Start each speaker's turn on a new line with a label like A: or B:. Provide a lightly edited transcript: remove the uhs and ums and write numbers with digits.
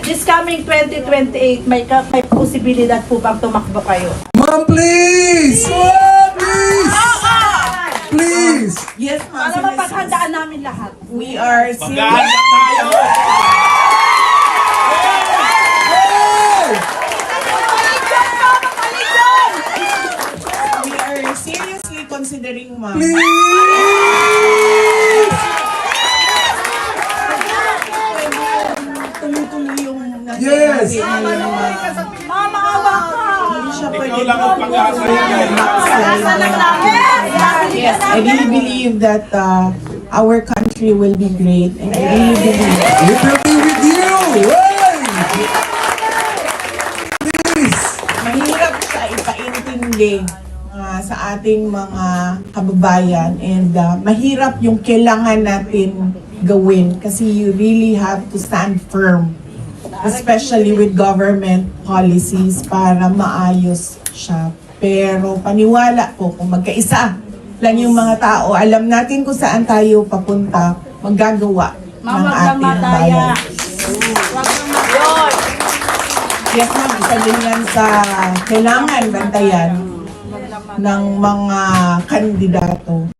A: this coming 2028, may posibilidad po bang tumakbo kayo?
B: Ma'am, please! Ma'am, please! Please!
C: Yes, ma'am.
A: Para mapaghandaan namin lahat.
C: We are serious.
D: Maghahanda tayo!
C: We are seriously considering, ma'am.
B: Please!
C: Tumutuloy yung
B: Yes.
A: Mama, awa ka!
C: Hindi siya
D: Ikaw
C: pwede
D: lang ang pag-asa yan.
A: Asa lang namin!
C: Yes, I really believe that our country will be great, and I really believe.
B: It will be with you! Hey! Please!
C: Mahirap siya ipaintindi sa ating mga kababayan, and mahirap yung kailangan natin gawin kasi you really have to stand firm, especially with government policies para maayos siya. Pero paniwala po, kung magkaisa lang yung mga tao, alam natin kung saan tayo papunta, maggagawa ng ating bayan. Yes, ma'am, isa din yan sa kailangan bantayan ng mga kandidato.